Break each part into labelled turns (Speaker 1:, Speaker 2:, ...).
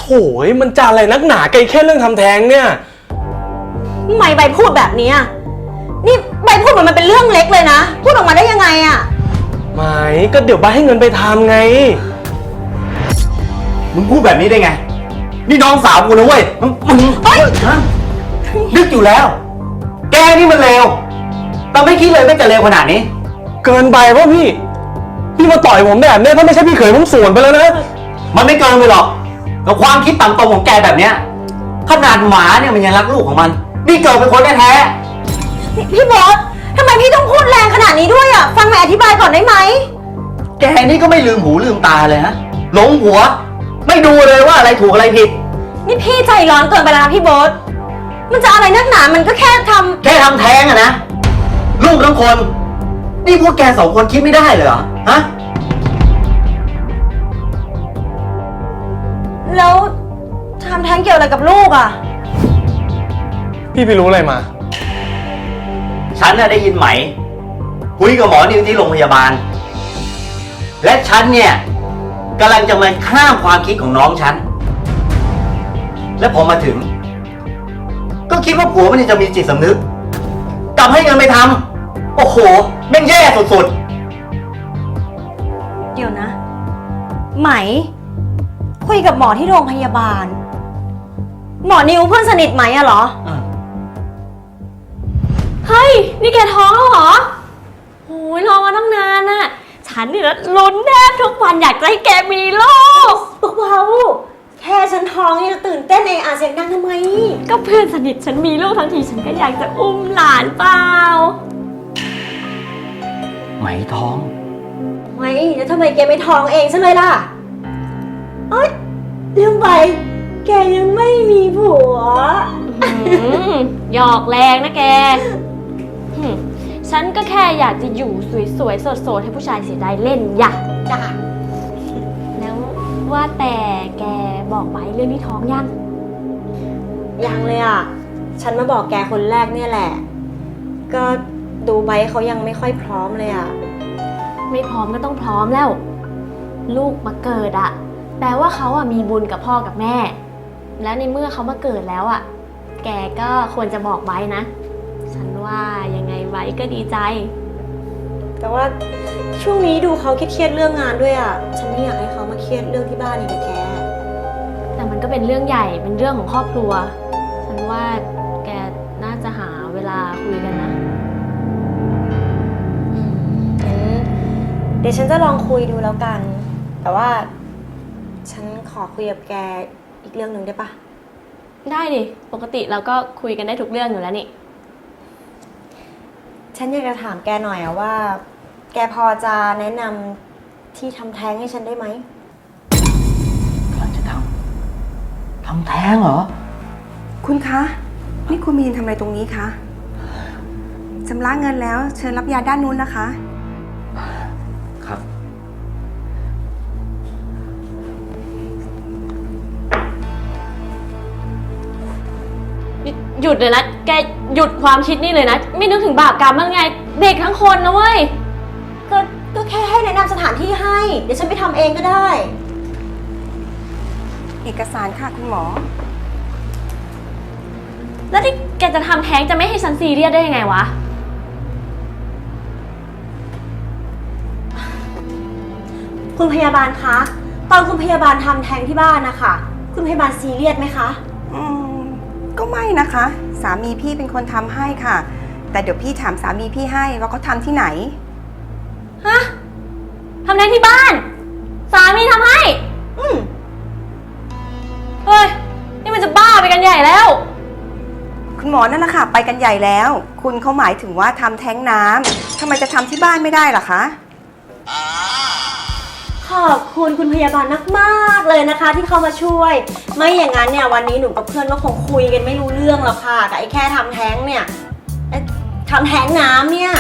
Speaker 1: โถยมันจะอะไรนักหนาไกลแค่เรื่องทำแท้งเนี่ย
Speaker 2: ทำไมใบพูดแบบนี้นี่ใบพูดเหมือนมันเป็นเรื่องเล็กเลยนะพูดออกมาได้ยังไง
Speaker 1: ไม่ก็เดี๋ยวใบให้เงินไปทำไง
Speaker 3: มึงพูดแบบนี้ได้ไงนี่น้องสาวกูนะเว้ยมึงนึกอยู่แล้วแกนี่มันเลวแต่ไม่คิดเลยว่าจะเลวขนาดนี้
Speaker 1: เกินไปวะพี่มาต่อยผมแบบเนี้ยถ้าไม่ใช่พี่เขยผมสวนไปแล้วนะ
Speaker 3: มันไม่เกินไปหรอกกับความคิดต่ำตรงของแกแบบเนี้ยขนาดหมาเนี่ยมันยังรักลูกของมันนี่เกิดเป็นคนแท้
Speaker 2: พี่บอสทำไมพี่ต้องพูดแรงขนาดนี้ด้วยฟังใหม่อธิบายก่อนได้ไหม
Speaker 3: แกนี่ก็ไม่ลืมหูลืมตาเลยนะหลงหัวไม่ดูเลยว่าอะไรถูกอะไรผิด
Speaker 2: นี่พี่ใจร้อนเกินไปแล้วนะพี่บอสมันจะอะไรนักหนามันก็แค่ทำ
Speaker 3: แท้งอะนะลูกทั้งคนนี่พวกแกสองคนคิดไม่ได้เลยเหรอฮะ
Speaker 2: แล้วทำแท้งเกี่ยวอะไรกับลูก
Speaker 1: พี่ไปรู้อะไรมา
Speaker 3: ฉันน่ะได้ยินไหมคุยกับหมอนิวที่โรงพยาบาลและฉันเนี่ยกำลังจะมาข้ามความคิดของน้องฉันและพอมาถึงก็คิดว่าผัวมันจะมีจิตสำนึกกลับให้เงินไปทำโอ้โหแม่งแย่สุด
Speaker 2: เดี๋ยวนะไหมคุยกับหมอที่โรงพยาบาลหมอนิวเพื่อนสนิทไหมเหรอ
Speaker 4: เฮ้ยนี่แกท้องแล้วเหรอโอ้ยรอมาตั้งนานน่ะฉันนี่ลุ้นแทบทุกวันอยากจะให้แกมีลูก
Speaker 2: เบาๆแค่ฉันท้องนี่จะตื่นเต้นเองเสียงดังทำไม
Speaker 4: ก็เพื่อนสนิทฉันมีลูกทั้งทีฉันก็อยากจะอุ้มหลานเปล่า
Speaker 3: ไหมท้อง
Speaker 2: ไม่แล้วทำไมแกไม่ท้องเองซะเลยล่ะเอ้ยเรื่องไปแกยังไม่มีผัว
Speaker 4: หยอกแรงนะแกฉันก็แค่อยากจะอยู่สวยๆโสดๆให้ผู้ชายเสียดายเล่นอยาก
Speaker 2: จ้ะ
Speaker 4: แล้วว่าแต่แกบอกไว้เรื่องที่ท้อง
Speaker 2: ยังเลยฉันมาบอกแกคนแรกเนี่ยแหละก็ดูไบเขายังไม่ค่อยพร้อมเลย
Speaker 4: ไม่พร้อมก็ต้องพร้อมแล้วลูกมาเกิดแปลว่าเขามีบุญกับพ่อกับแม่แล้วในเมื่อเขามาเกิดแล้วแกก็ควรจะบอกไว้นะฉันว่ายังไงไว้ก็ดีใจ
Speaker 2: แต่ว่าช่วงนี้ดูเขาเครียดเรื่องงานด้วยฉันไม่อยากให้เขามาเครียดเรื่องที่บ้านอีกแก
Speaker 4: แต่มันก็เป็นเรื่องใหญ่เป็นเรื่องของครอบครัวฉันว่าแกน่าจะหาเวลาคุยกันนะ
Speaker 2: เดี๋ยวฉันจะลองคุยดูแล้วกันแต่ว่าฉันขอคุยกับแกอีกเรื่องหนึ่งได้ปะ
Speaker 4: ได้ดิปกติเราก็คุยกันได้ทุกเรื่องอยู่แล้วนี่
Speaker 2: ฉันอยากจะถามแกหน่อยว่าแกพอจะแนะนำที่ทำแท้งให้ฉันได้ไหม
Speaker 3: กำลังจะทำแท้งเหรอ
Speaker 5: คุณคะนี่คุณมีนทำอะไรตรงนี้คะชำระเงินแล้วเชิญรับยาด้านนู้นนะคะ
Speaker 3: ครับ
Speaker 4: หยุดเลยนะแกหยุดความคิดนี่เลยนะไม่นึกถึงบาปกรรมบ้างไงเด็กทั้งคนนะเว้ย
Speaker 2: ก็แค่ให้แนะนำสถานที่ให้เดี๋ยวฉันไปทำเองก็ได้
Speaker 5: เอกสารค่ะคุณหมอ
Speaker 4: แล้วที่แกจะทำแท้งจะไม่ให้ฉันซีเรียสได้ยังไงวะ
Speaker 2: คุณพยาบาลคะตอนคุณพยาบาลทำแท้งที่บ้านนะคะคุณพยาบาลซีเรียสไหมคะ
Speaker 5: ก็ไม่นะคะสามีพี่เป็นคนทำให้ค่ะแต่เดี๋ยวพี่ถามสามีพี่ให้ว่าเขาทำที่ไหน
Speaker 4: ฮะทำแท้งที่บ้านสามีทำให้เฮ้ยนี่มันจะบ้าไปกันใหญ่แล้ว
Speaker 5: คุณหมอนั่นแหละค่ะไปกันใหญ่แล้วคุณเขาหมายถึงว่าทำแท้งน้ำทำไมจะทำที่บ้านไม่ได้ล่ะคะ
Speaker 2: ขอบคุณคุณพยาบาลมากๆเลยนะคะที่เข้ามาช่วยไม่อย่างนั้นเนี่ยวันนี้หนูกับเพื่อนก็คงคุยกันไม่รู้เรื่องหรอกค่ะแต่ไอ้แค่ทำแท้งเนี่ยทำแท้งน้ำเนี่ย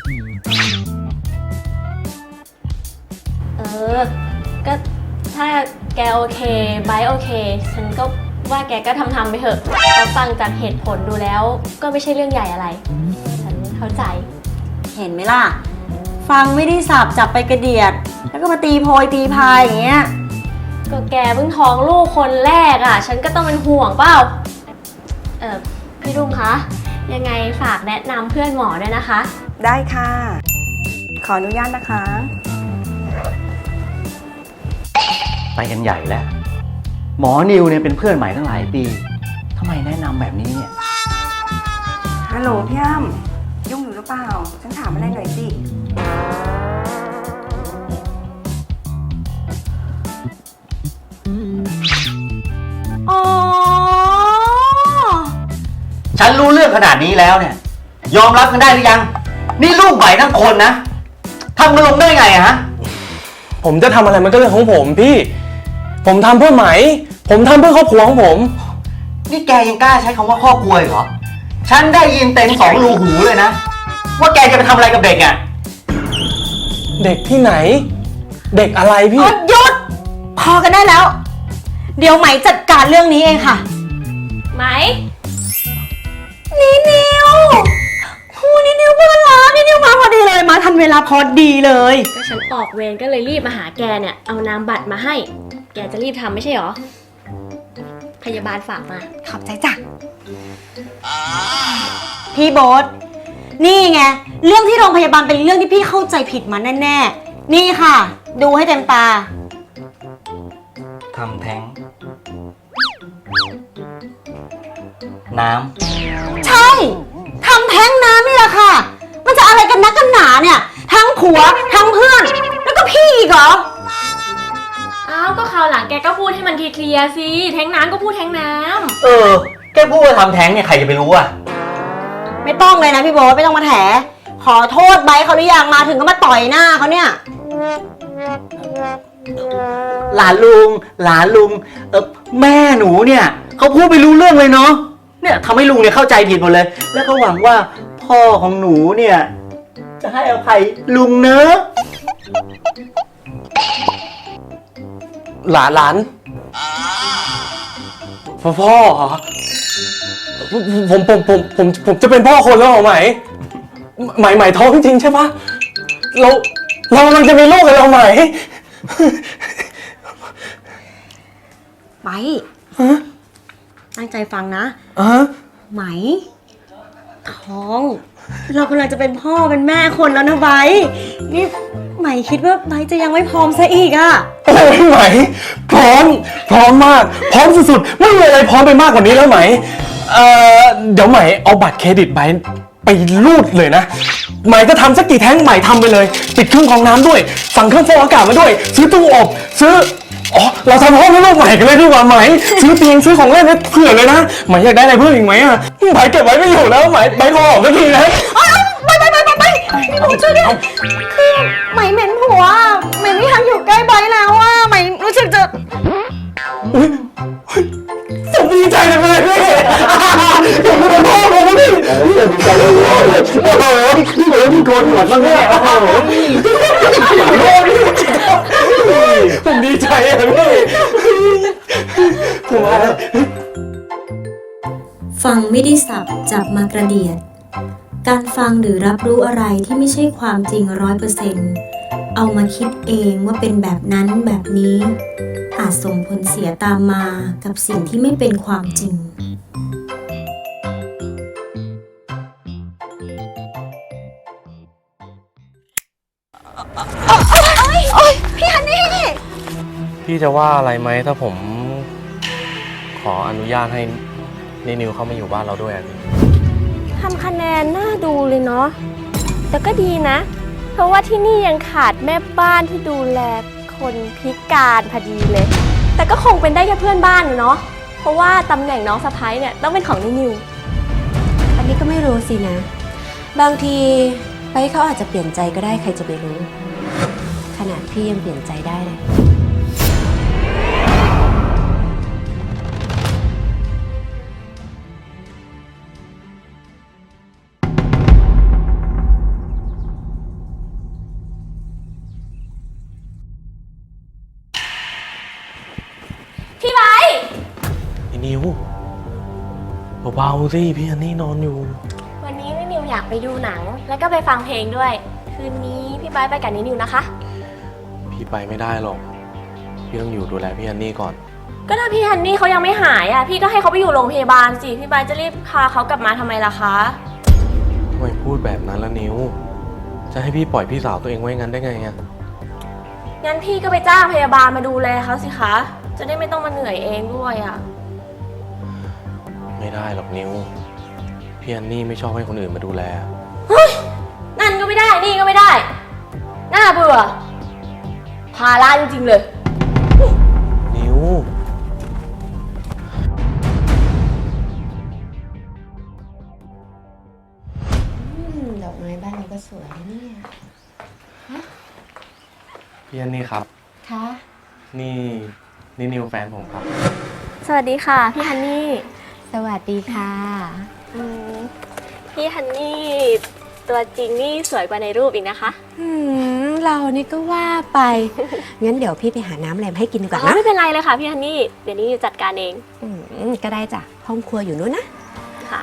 Speaker 4: ก็ถ้าแกโอเคไบร์ทโอเคฉันก็ว่าแกก็ทำไปเถอะแล้วฟังจากเหตุผลดูแล้วก็ไม่ใช่เรื่องใหญ่อะไรฉันเข้าใจ
Speaker 2: เห็นไหมล่ะฟังไม่ได้สับจับไปกระเดียดแล้วก็มาตีโพยตีพายอย่างเงี้ย
Speaker 4: ก็แกเพิ่งท้องลูกคนแรกอ่ะ ฉันก็ต้องเป็นห่วงเปล่า พี่รุ่งคะ ยังไงฝากแนะนำเพื่อนหมอด้วยนะคะ
Speaker 5: ได้ค่ะ ขออนุญาตนะคะ
Speaker 3: ไปกันใหญ่แล้ว หมอนิวเนี่ยเป็นเพื่อนใหม่ตั้งหลายปีทำไมแนะนำแบบนี้เนี่ย
Speaker 5: ฮัลโหลพี่อ้ำยุ่งอยู่หรือเปล่า ฉันถามอะไรหน่อยสิ
Speaker 2: อ๋อ
Speaker 3: ฉันรู้เรื่องขนาดนี้แล้วเนี่ย ยอมรับกันได้หรือยัง นี่ลูกใหม่ทั้งคนนะทำกันลงได้ไงอะฮะ
Speaker 1: ผมจะทำอะไรมันก็เรื่องของผมพี่ ผมทำเพื่อไหม ผมทำเพื่อครอบครัวของผม
Speaker 3: นี่แกยังกล้าใช้คำว่าครอบครัวอีกเหรอ ฉันได้ยินเต็มสองรูหูเลยนะ ว่าแกจะไปทำอะไรกับเด็กอะ
Speaker 1: เด็กที่ไหน เด็กอะไรพี่
Speaker 2: หยุด พอกันได้แล้ว เดี๋ยวไหมจัดการเรื่องนี้เองค่ะ
Speaker 4: ไหม
Speaker 2: นิวนิวเพื่อนรักนิวมาพอดีเลย มาทันเวลาพอดีเลย
Speaker 4: ก็ฉันออกเวรก็เลยรีบมาหาแกเนี่ย เอานามบัตรมาให้ แกจะรีบทำไม่ใช่หรอ พยาบาลฝากมา
Speaker 2: ขอบใจจ้ะ พี่โบ๊ทนี่ไง เรื่องที่โรงพยาบาลเป็นเรื่องที่พี่เข้าใจผิดมาแน่ๆ นี่ค่ะ ดูให้เต็มตา
Speaker 3: ทำแท้ง น้ำ
Speaker 2: ใช่ ทำแท้งน้ำนี่แหละค่ะ มันจะอะไรกันนักกันหนาเนี่ย ทั้งผัว ทั้งเพื่อน แล้วก็พี่อีกเหรอ
Speaker 4: อ้าว ก็คราวหลังแกก็พูดให้มันเคลียร์ๆสิ แท้งน้ำก็พูดแท้งน้ำ
Speaker 3: แกพูดว่าทำแท้งเนี่ยใครจะไปรู้อะ
Speaker 2: ไม่ต้องเลยนะพี่โบ๊ทไม่ต้องมาแถ ขอโทษไบร์ทเขาหรือยังมาถึงก็มาต่อยหน้าเขาเนี่ย
Speaker 3: หลานลุงแม่หนูเนี่ยเขาพูดไปรู้เรื่องเลยเนาะ เนี่ยทำให้ลุงเนี่ยเข้าใจผิดหมดเลย แล้วก็หวังว่าพ่อของหนูเนี่ย จะให้อภัยลุงเนอะ
Speaker 1: หลานพ่อเหรอผมจะเป็นพ่อคนแล้วเหรอไหมท้องจริงใช่ปะเรากำลังจะมีลูกกันแล้วไหม
Speaker 2: ไปตั้งใจฟังนะ ไหม ท้อง เรากำลังจะเป็นพ่อเป็นแม่คนแล้วนะไบร์ทนี่ไหมคิดว่าไบร์ทจะยังไม่พร้อมซะอีกอะ
Speaker 1: โอ้ยไหมพร้อมมากพร้อมสุดๆไม่มีอะไรพร้อมไปมากกว่านี้แล้วไหมเดี๋ยวไหมเอาบัตรเครดิตไปรูดเลยนะไหมจะทำสักกี่แท้งไหมทำไปเลยติดเครื่องกรองน้ำด้วยสั่งเครื่องฟอกอากาศมาด้วยซื้อตู้อบซื้อเราทำห้องให้ลูกใหม่กันเลยดีกว่าไหมซื้อเตียงซื้อของเล่นให้เผื่อเลยนะไหมอยากได้อะไรเพิ่มอีกไหมอ่ะไหมเก็บไว้ไม่อยู่แล้วไหมขอออกสักทีนะ
Speaker 2: ไปพี่ผมช่วยด้วยคือไหมเหม็นหัวไหมไม่อยากอยู่ใกล้ไบร์ทแล้วอะไหมรู้สึกจะ
Speaker 1: อุ๊ยผมดีใจจังเลยพี่ผมเป็นพ่อผมพี่ดีใจเลยโอ้โหพี่เหมือนพี่โกนหนวดมากเลยผมดีใจอ่ะพี่ผมมาแล้ว
Speaker 6: ฟังไม่ได้สับจับมากระเดียด การฟังหรือรับรู้อะไรที่ไม่ใช่ความจริง100%เอามาคิดเองว่าเป็นแบบนั้นแบบนี้ อาจส่งผลเสียตามมากับสิ่งที่ไม่เป็นความจริง
Speaker 2: พี่ฮันนี่
Speaker 1: พี่จะว่าอะไรไหมถ้าผมขออนุญาตให้นิวเข้ามาอยู่บ้านเราด้วยอ่ะพี่
Speaker 4: ทำคะแนนน่าดูเลยเนาะ แต่ก็ดีนะ เพราะว่าที่นี่ยังขาดแม่บ้านที่ดูแลคนพิการพอดีเลย แต่ก็คงเป็นได้แค่เพื่อนบ้านเนาะ เพราะว่าตำแหน่งน้องสะใภ้เนี่ยต้องเป็นของนิว
Speaker 6: อันนี้ก็ไม่รู้สินะ บางทีไปเขาอาจจะเปลี่ยนใจก็ได้ใครจะไปรู้ ขนาดพี่ยังเปลี่ยนใจได้เลย
Speaker 4: พี่ไบร์ท
Speaker 1: ไอ้นิวเบาๆสิพี่อันนี่นอนอยู่
Speaker 4: วันนี้นิวอยากไปดูหนัง แล้วก็ไปฟังเพลงด้วย คืนนี้พี่ไบร์ทไปกับนิวนะคะ
Speaker 1: พี่ไปไม่ได้หรอกพี่ต้องอยู่ดูแลพี่ฮันนี่ก่อน
Speaker 4: ก็ถ้าพี่ฮันนี่เขายังไม่หายอ่ะ พี่ก็ให้เขาไปอยู่โรงพยาบาลสิ พี่ใบจะรีบพาเขากลับมาทำไมล่ะคะ
Speaker 1: ทำไมพูดแบบนั้นละนิ้ว จะให้พี่ปล่อยพี่สาวตัวเองไว้งั้นได้ไงอะ
Speaker 4: งั้นพี่ก็ไปจ้างพยาบาลมาดูแลเขาสิคะ จะได้ไม่ต้องมาเหนื่อยเองด้วยอ่ะ
Speaker 1: ไม่ได้หรอกนิ้ว พี่ฮันนี่ไม่ชอบให้คนอื่นมาดูแล
Speaker 4: นั่นก็ไม่ได้ นี่ก็ไม่ได้ น่าเบื่อ ภาระจริงๆเลย
Speaker 1: นิ้ว
Speaker 7: ดอกไม้บ้านเราก็สวยนะเนี่ย
Speaker 1: พี่ฮันนี่ครับ
Speaker 7: คะ
Speaker 1: นี่นิวแฟนผมครับ
Speaker 4: สวัสดีค่ะ พี่ฮันนี่
Speaker 7: สวัสดีค่ะ
Speaker 4: พี่ฮันนี่ตัวจริงนี่สวยกว่าในรูปอีกนะคะ
Speaker 7: เรานี่ก็ว่าไป งั้นเดี๋ยวพี่ไปหาน้ำอะไรมาให้กินดีกว่า
Speaker 4: อ๋อ
Speaker 7: นะ
Speaker 4: ไม่เป็นไรเลยค่ะพี่ฮันนี่ เดี๋ยวนี้จัดการเอง
Speaker 7: ก็ได้จ้ะ ห้องครัวอยู่นู้นนะ
Speaker 4: ค่ะ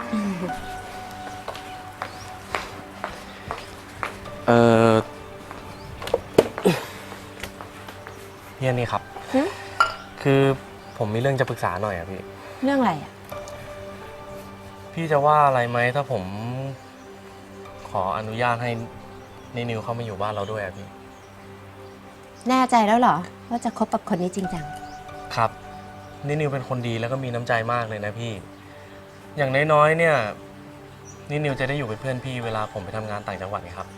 Speaker 1: พี่ฮันนี่ครับ คือผมมีเรื่องจะปรึกษาหน่อยอะพี่
Speaker 7: เรื่องอะไรอ่ะ
Speaker 1: พี่จะว่าอะไรไหมถ้าผมขออนุญาตให้นิวเข้ามาอยู่บ้านเราด้วยอะพี่
Speaker 7: แน่ใจแล้วเหรอ ว่าจะคบกับคนนี้จริงจัง
Speaker 1: ครับนิวเป็นคนดีแล้วก็มีน้ำใจมากเลยนะพี่ อย่างน้อยๆเนี่ยนิวจะได้อยู่เป็นเพื่อนพี่เวลาผมไปทำงานต่างจังหวัดไงครับ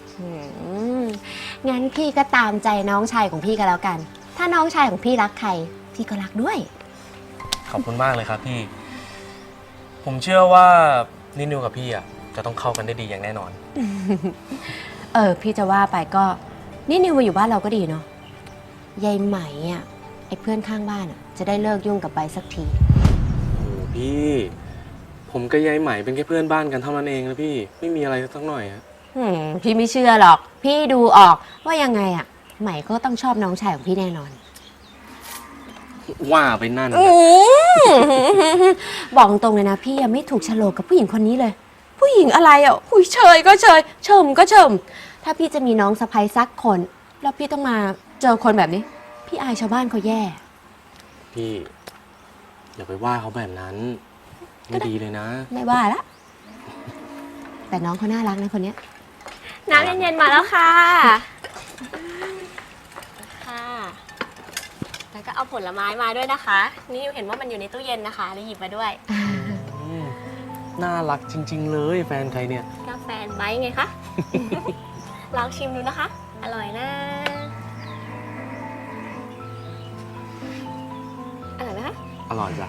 Speaker 7: งั้นพี่ก็ตามใจน้องชายของพี่ก็แล้วกัน ถ้าน้องชายของพี่รักใคร พี่ก็รักด้วย
Speaker 1: ขอบคุณมากเลยครับพี่ ผมเชื่อว่านิวกับพี่อะจะต้องเข้ากันได้ดีอย่างแน่นอน
Speaker 7: พี่จะว่าไปก็นี่นิวมาอยู่บ้านเราก็ดีเนาะยายไหมอ่ะไอ้เพื่อนข้างบ้านอ่ะจะได้เลิกยุ่งกับใบสักที
Speaker 1: โอ้พี่ ผมกับยายไหมเป็นแค่เพื่อนบ้านกันเท่านั้นเองนะพี่ไม่มีอะไรสักหน่อยอะ
Speaker 7: พี่ไม่เชื่อหรอก พี่ดูออกว่ายังไงอ่ะไหมก็ต้องชอบน้องชายของพี่แน่นอน
Speaker 1: ว่าไปนั่นนะ
Speaker 7: บอกตรงเลยนะพี่ยังไม่ถูกโฉลกกับผู้หญิงคนนี้เลย ผู้หญิงอะไรอ่ะหุยเชยก็เชยเฉิมก็เฉิมถ้าพี่จะมีน้องสะใภ้สักคน แล้วพี่ต้องมาเจอคนแบบนี้ พี่อายชาวบ้านเขาแย่
Speaker 1: พี่อย่าไปว่าเขาแบบนั้นไม่ดีเลยนะ
Speaker 7: ไม่ว่าละแต่น้องเขาน่ารักนะคนเนี้ย
Speaker 4: น้ำเย็นๆมาแล้วค่ะ ค่ะ แล้วก็เอาผลไม้มาด้วยนะคะ นี่เห็นว่ามันอยู่ในตู้เย็นนะคะเลยหยิบมาด้วย
Speaker 1: น่ารักจริง ๆ เลยแฟนใครเนี่ย
Speaker 4: กาแฟไบท์ไงคะ ลองชิมดูนะคะ อร่อยนะ อร่อยไหมคะ
Speaker 1: อร่อยจ้ะ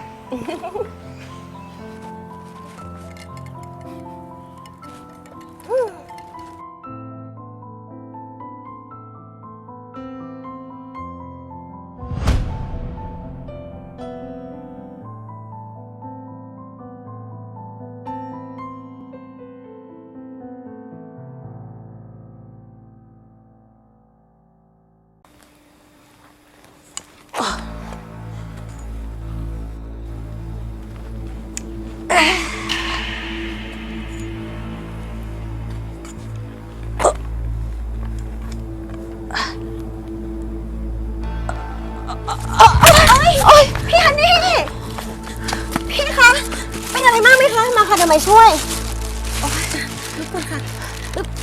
Speaker 2: พี่ฮันนี่ พี่คะ เป็นอะไรมากไหมคะ มาค่ะเดี๋ยวไม่ช่วย โอ้ยลุกก่อนค่ะอึ๊บ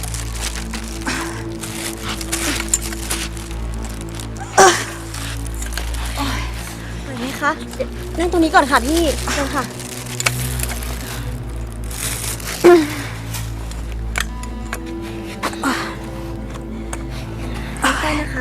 Speaker 2: โอ้ยไหวไหมคะนั่งตรงนี้ก่อนค่ะพี่เชิญค่ะได้นะคะ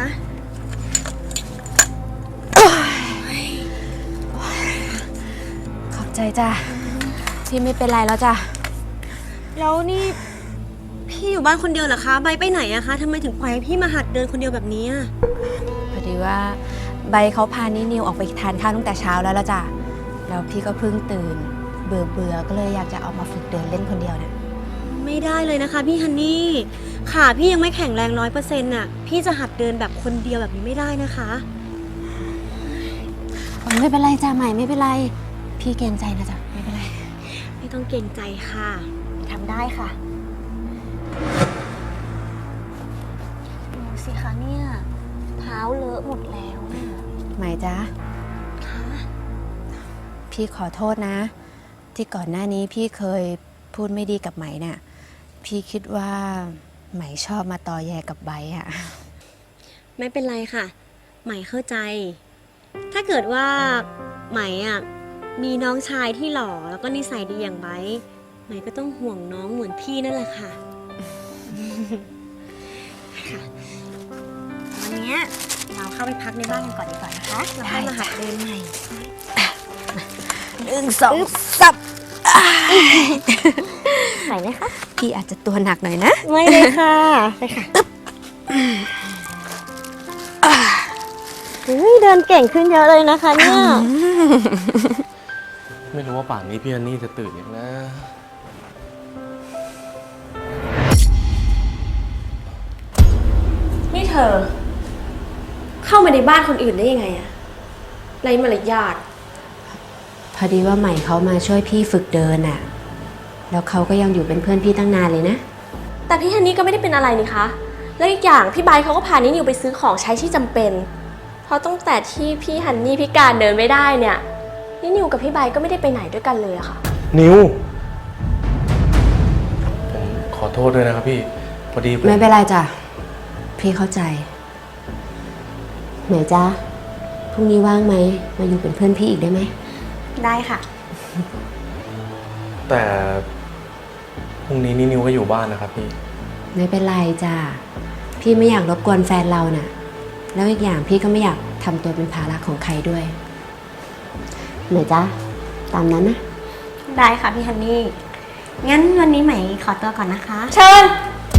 Speaker 7: ขอบใจจ้ะพี่ไม่เป็นไรแล้วจ้ะ
Speaker 2: แล้วนี่พี่อยู่บ้านคนเดียวเหรอคะใบไปไหนอะคะทำไมถึงปล่อยให้พี่มาหัดเดินคนเดียวแบบนี้อะ
Speaker 7: พอดีว่าใบเขาพานิวออกไปทานข้าวตั้งแต่เช้าแล้วละจ้ะแล้วพี่ก็เพิ่งตื่นเบื่อก็เลยอยากจะเอามาฝึกเดินเล่นคนเดียวนะ
Speaker 2: ไม่ได้เลยนะคะพี่ฮันนี่ขาพี่ยังไม่แข็งแรง100%น่ะพี่จะหัดเดินแบบคนเดียวแบบนี้ไม่ได้นะคะ
Speaker 7: ไม่เป็นไรจ้ะใหม่ไม่เป็นไรพี่เกรงใจนะจ๊ะไม่เป็นไร
Speaker 2: ไม่ต้องเกรงใจค่ะทำได้ค่ะดูสิคะเนี่ยเท้าเลอะหมดแล้วน่ะ
Speaker 7: ไหมจ๊ะพี่ขอโทษนะ ที่ก่อนหน้านี้พี่เคยพูดไม่ดีกับไหมเนี่ยพี่คิดว่าไหมชอบมาตอแยกับไบร์ทอะ
Speaker 2: ไม่เป็นไรค่ะ ใหม่เข้าใจ ถ้าเกิดว่าใหม่อ่ะมีน้องชายที่หล่อแล้วก็นิสัยดีอย่างไบร์ทใหม่ก็ต้องห่วงน้องเหมือนพี่นั่นแหละค่ะ ค่ะวันเนี้ยเราเข้าไปพักในบ้านกันก่อนดีกว่านะคะแล้วค่อยมาหัดเดินใหม่
Speaker 7: 1 2 3
Speaker 2: ไหวไหมคะ
Speaker 7: พี่อาจจะตัวหนักหน่อยนะ
Speaker 2: ไม่เลยค่ะไปค่ะเดินเก่งขึ้นเยอะเลยนะคะเนี่ย
Speaker 1: ไม่รู้ว่าป่านนี้พี่ฮันนี่จะตื่นยังนะ
Speaker 4: นี่เธอ เข้ามาในบ้านคนอื่นได้ยังไงอะไรมารยาท
Speaker 7: พอดีว่าใหม่เขามาช่วยพี่ฝึกเดินอะแล้วเขาก็ยังอยู่เป็นเพื่อนพี่ตั้งนานเลยนะ
Speaker 4: แต่พี่ฮันนี่ก็ไม่ได้เป็นอะไรนี่คะ แล้วอีกอย่างพี่ไบร์ทเขาก็พานินิวไปซื้อของใช้ที่จำเป็น เพราะตั้งแต่ที่พี่ฮันนี่พิการเดินไม่ได้เนี่ยนินิวกับพี่ไบร์ทก็ไม่ได้ไปไหนด้วยกันเลยอะค่ะ
Speaker 1: นิว ผมขอโทษด้วยนะครับพี่ พอดีผม
Speaker 7: ไม่เป็นไรจ้ะ พี่เข้าใจ ไหนจ๊ะ พรุ่งนี้ว่างไหม มาอยู่เป็นเพื่อนพี่อีกได้ไหม
Speaker 2: ได้ค่ะ
Speaker 1: แต่พรุ่งนี้นิวก็อยู่บ้านนะครับพี่
Speaker 7: ไม่เป็นไรจ้ะ พี่ไม่อยากรบกวนแฟนเราน่ะ แล้วอีกอย่างพี่ก็ไม่อยากทำตัวเป็นภาระของใครด้วย ไหนจ๊ะ ตามนั้นนะ
Speaker 2: ได้ค่ะพี่ฮันนี่ งั้นวันนี้ใหม่ขอตัวก่อนนะคะ
Speaker 4: เชิญ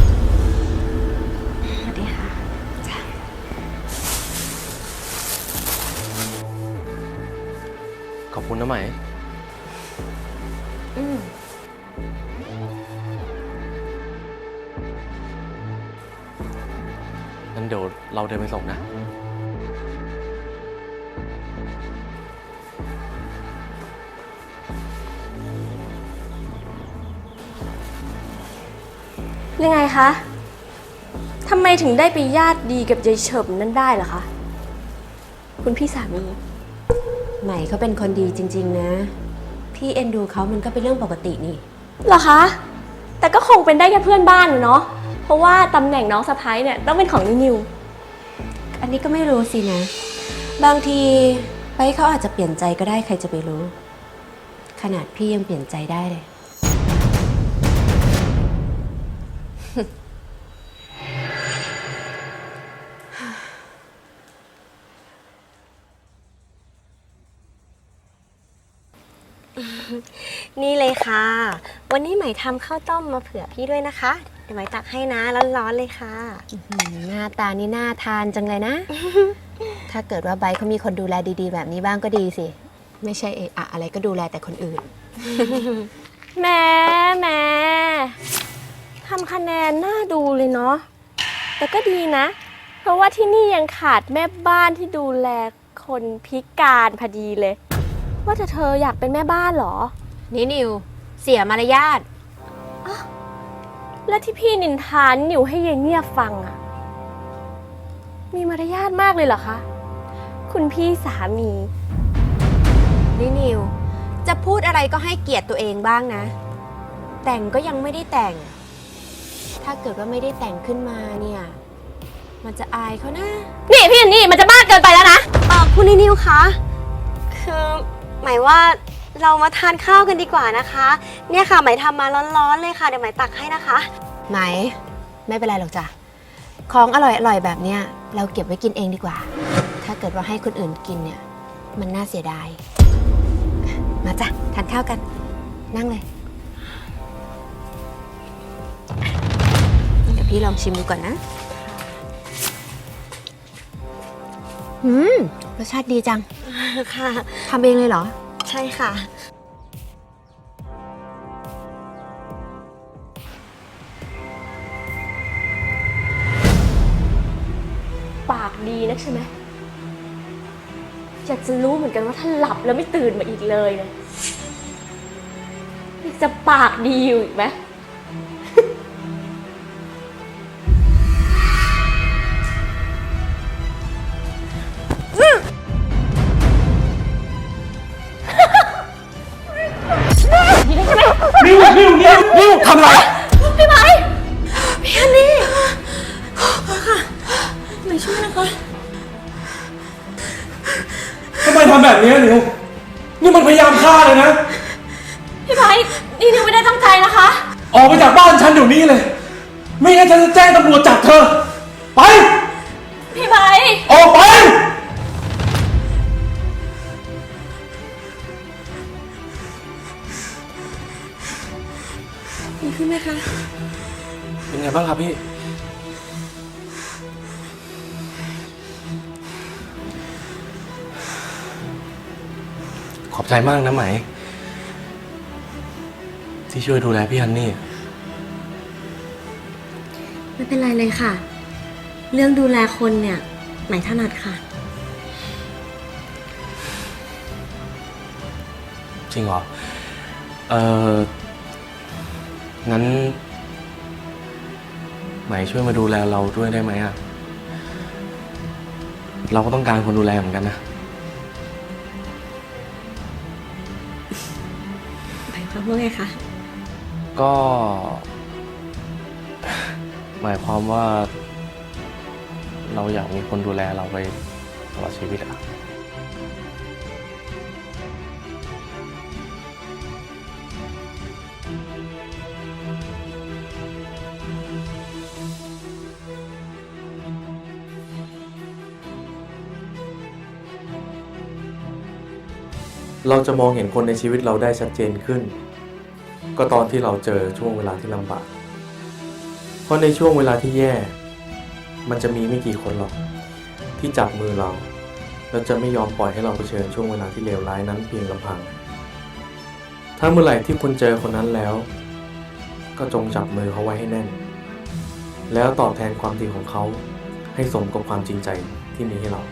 Speaker 2: สวัสดีค่ะ
Speaker 1: ขอบคุณนะไหม งั้นเดี๋ยวเราเดินไปส่งนะ
Speaker 4: ยังไงคะ ทำไมถึงได้ไปญาติดีกับยายเฉิมนั่นได้ล่ะคะ คุณพี่สามี
Speaker 7: ใหม่เขาเป็นคนดีจริง ๆ นะ พี่เอ็นดูเขามันก็เป็นเรื่องปกตินี่
Speaker 4: เหรอคะ แต่ก็คงเป็นได้แค่เพื่อนบ้านน่ะเนาะ เพราะว่าตำแหน่งน้องสะพ้ายเนี่ยต้องเป็นของนินิว
Speaker 7: อันนี้ก็ไม่รู้สินะ บางทีไปเขาอาจจะเปลี่ยนใจก็ได้ใครจะไปรู้ ขนาดพี่ยังเปลี่ยนใจได้เลย
Speaker 2: นี่เลยค่ะ วันนี้ใหม่ทำข้าวต้มมาเผื่อพี่ด้วยนะคะ เดี๋ยวใหม่ตักให้นะร้อนๆเลยค่ะ
Speaker 7: หน้าตานี่น่าทานจังเลยนะ ถ้าเกิดว่าไบร์ทเขามีคนดูแลดีๆ แบบนี้บ้างก็ดีสิ ไม่ใช่เอะอะอะไรก็ดูแลแต่คนอื่น
Speaker 4: แหม่ทำคะแนนน่าดูเลยเนาะ แต่ก็ดีนะ เพราะว่าที่นี่ยังขาดแม่บ้านที่ดูแลคนพิการพอดีเลย ว่าแต่เธออยากเป็นแม่บ้านเหรอ
Speaker 7: นี่นิว เสียมารยาท
Speaker 4: และที่พี่นินทานิวให้เยเงียบฟังอะมีมารยาทมากเลยเหรอคะ คุณพี่สามี
Speaker 7: นี่นิว จะพูดอะไรก็ให้เกียรติตัวเองบ้างนะ แต่งก็ยังไม่ได้แต่ง ถ้าเกิดว่าไม่ได้แต่งขึ้นมาเนี่ย มันจะอายเขานะ
Speaker 4: นี่พี่นี่มันจะมากเกินไปแล้วนะ
Speaker 2: คุณนิวคะคือหมายว่าเรามาทานข้าวกันดีกว่านะคะ เนี่ยค่ะหมายทำมาร้อนๆเลยค่ะเดี๋ยวหมายตักให้นะคะ
Speaker 7: ไหม ไม่เป็นไรหรอกจ้ะ ของอร่อยๆแบบเนี้ยเราเก็บไว้กินเองดีกว่า ถ้าเกิดว่าให้คนอื่นกินเนี่ย มันน่าเสียดาย มาจ้ะทานข้าวกัน นั่งเลย เดี๋ยวพี่ลองชิมดูก่อนนะรสชาติดีจัง
Speaker 2: ค่ะ
Speaker 7: ทำเองเลยเหรอ
Speaker 2: ใช่ค่ะ
Speaker 4: ปากดีนักใช่ไหมอยากจะรู้เหมือนกันว่าถ้าหลับแล้วไม่ตื่นมาอีกเลยเนี่ยอยากจะปากดีอยู่อีกไหม
Speaker 1: นิวทำอะไร
Speaker 2: พี่ไม้พี่ฮันนี่ค่ะไม่ช่วยนะคะ
Speaker 1: ทำไมทำแบบนี้นิวนี่มันพยายามฆ่าเลยนะ
Speaker 4: พี่ไม้นี่นิวไม่ได้ตั้งใจนะคะ
Speaker 1: ออกไปจากบ้านฉันเดี๋ยวนี้เลย ไม่งั้นฉันจะแจ้งตำรวจจับเธอ ไป
Speaker 4: พี่ไม้
Speaker 1: ออกไป
Speaker 2: ดีขึ้นไหมคะ
Speaker 1: เป็นไงบ้างครับพี่ ขอบใจมากนะไหม ที่ช่วยดูแลพี่ฮันนี่
Speaker 2: ไม่เป็นไรเลยค่ะ เรื่องดูแลคนเนี่ยไหมถนัดค่ะ
Speaker 1: จริงเหรอ งั้น ไหมช่วยมาดูแลเราด้วยได้ไหมอะเราก็ต้องการคนดูแลเหมือนกันนะ
Speaker 2: หมายความว่าไงคะ
Speaker 1: ก็ หมายความว่า เราอยากมีคนดูแลเราไปตลอดชีวิตอะ
Speaker 8: เราจะมองเห็นคนในชีวิตเราได้ชัดเจนขึ้น ก็ตอนที่เราเจอช่วงเวลาที่ลำบาก เพราะในช่วงเวลาที่แย่ มันจะมีไม่กี่คนหรอกที่จับมือเราแล้วจะไม่ยอมปล่อยให้เราเผชิญช่วงเวลาที่เลวร้ายนั้นเพียงลำพัง ถ้าเมื่อไหร่ที่คุณเจอคนนั้นแล้ว ก็จงจับมือเขาไว้ให้แน่น แล้วตอบแทนความดีของเขาให้สมกับความจริงใจที่มีให้เรา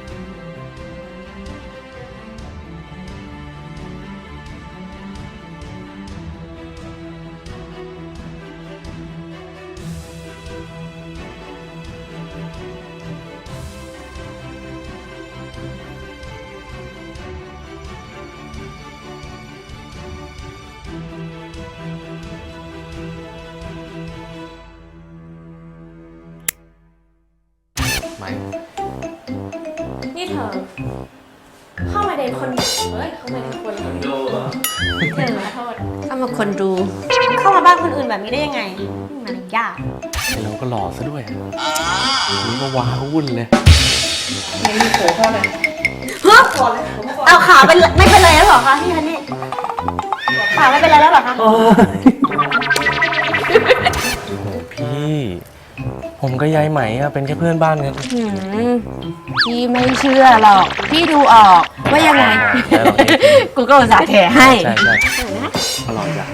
Speaker 1: ไหม
Speaker 4: นี่เธอ เข้ามาเดินคนเฮ้ย เข้ามาเดินคนดูเธอขอโทษ
Speaker 7: เข้ามาคนดู
Speaker 2: เข้ามาบ้านคนอื่นแบบนี้ได้ยังไงมารยาท
Speaker 1: ไอเราก็หล่อซะด้วยนี่ก็ว้าวุ่นเลย
Speaker 2: เอาขาเป็นไม่เป็นไรแล้วเหรอคะพี่ฮันนี่ขาไม่เป็นไรแล้วเหรอคะ
Speaker 1: โอ้โหพี่ ผมก็ยายไหมอะเป็นแค่เพื่อนบ้านกัน
Speaker 7: พี่ไม่เชื่อหรอก พี่ดูออกว่ายังไง
Speaker 1: ใช่หรอกนี่
Speaker 7: กูก็อุตส่าห์แถให้
Speaker 1: ใช่ใช่อร่อยจ้ะ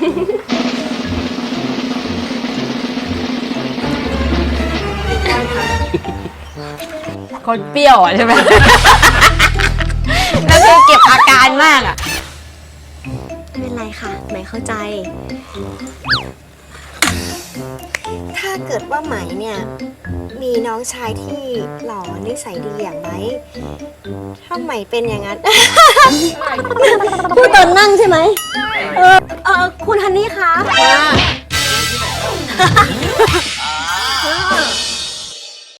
Speaker 7: คนเปรี้ยวอ่ะใช่ไหม แล้วคือเก็บอาการมากอ่ะ
Speaker 2: ไม่เป็นไรค่ะไหมเข้าใจ ถ้าเกิดว่าไหมเนี่ย มีน้องชายที่หล่อนิสัยดีอย่างไหมถ้าไหมเป็นอย่างนั้น พูดตอนนั่งใช่ไหมคุณฮันนี่คะ